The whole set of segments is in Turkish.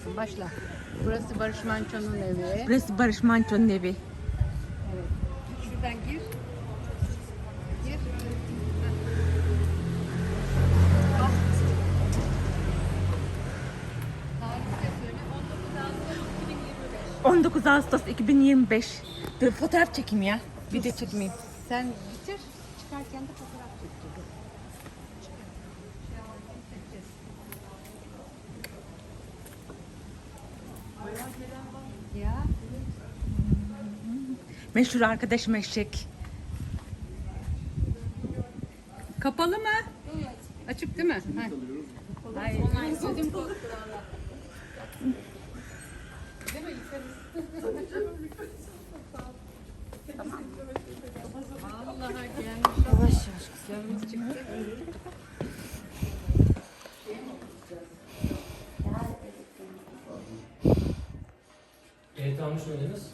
başlayacaksın. Başla. Burası Barış Manço'nun evi. Burası Barış Manço'nun evi. Evet. Şuradan gir. Gir. Bak. Tarih de söyle. 19 Ağustos 2025. Dur fotoğraf çekeyim ya. Video çekmeyeyim. Sen bitir. Çıkarken de fotoğraf çekeceğiz. Ya. Meşhur arkadaşım eşek. Kapalı mı? Açık değil mi? Hayır. Ödüm koptu valla. Değil mi? Tamam. Vallahi gelmiş. Yavaş yavaş. Canımız çıktı. Ehliyet almış mıydınız?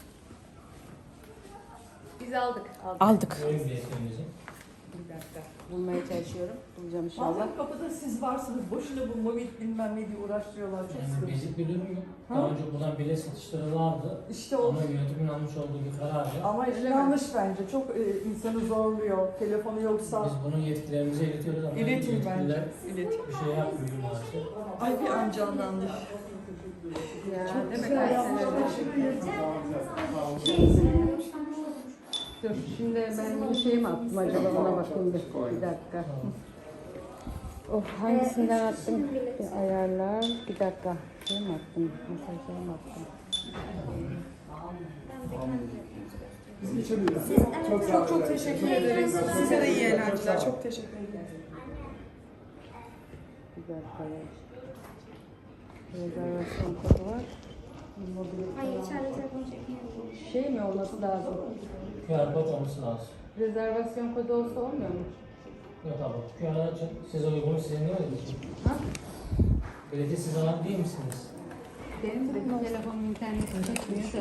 Biz aldık. Aldık. Benim ehliyetimizi. Bir dakika. Bulmaya çalışıyorum. Bulacağım inşallah. Bazen kapıda siz varsınız. Boşuna bu mobil bilmem ne diye uğraştırıyorlar. Çok Yani sıkıntı. bizi biliyor mu? Daha önce buradan bilet satışları vardı. İşte o. Ama yönetimin almış olduğu bir kararla Ama yanlış bence. Çok insanı zorluyor. Telefonu yoksa. biz bunun yetkilerimize iletiyoruz ama İletin bence. yetkililer İletin. bir şey yapmıyor maalesef. Ay bir an canlandı. Ya, Çok demek güzel ki- yapmışlar. Teşekkür ederim. Dur şimdi ben bir şey mi attım acaba ona bakayım bir dakika. Of hangisinden attım? Bir ayarlar. Bir dakika. Şey mi attım? Mesajları mı attım? Çok çok teşekkür ederiz. Size de iyi eğlenceler. Çok teşekkür ederim. Bir dakika. Rezervasyon kodu var. Hayır, içeride telefon çekmiyor. Şey mi olması lazım? QR kod olması lazım. Rezervasyon kodu olsa olmuyor mu? Yok abi. QR açın. Siz uygunu sizin değil mi? Ha? Bileti siz alan değil misiniz? Benim de telefonum interneti çekmiyor.